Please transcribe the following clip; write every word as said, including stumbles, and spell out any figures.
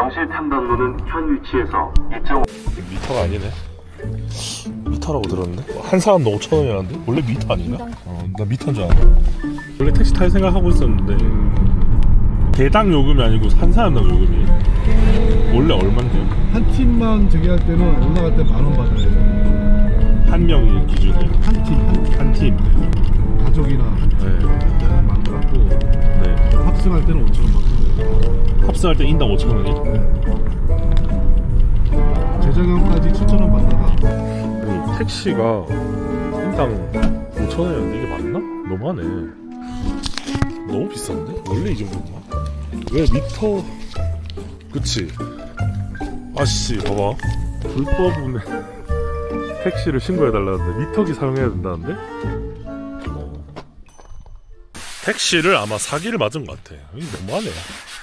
과실 탐방로는 현 위치에서 이 점 오 미터가 아니네. 미터라고 들었는데? 한 사람도 오천 원이라는데? 원래 미터 아닌가? 어, 나 미터인 줄 알았어. 원래 택시 탈 생각하고 있었는데 개당 요금이 아니고 한 사람당 요금이 원래 얼만데요? 한 팀만 저기 할 때는 올라갈 때 만 원 받아야 돼요. 한 명이 기준이에요. 한 팀, 한 팀. 한 팀. 가족이나 한 팀. 네. 할 때는 만 원 받고 네. 합승할 때는 오천 원 받고. 합승할 때 인당 오천 원이? 재작년까지 칠천 원 받다가 아니, 택시가 인당 오천 원이었는데 이게 맞나? 너무하네. 너무 비싼데? 원래 이 정도인가? 왜 미터... 그치? 아씨 봐봐, 불법 운행 택시를 신고해달라는데 미터기 사용해야 된다는데? 택시를 아마 사기를 맞은 것 같아. 이게 너무하네.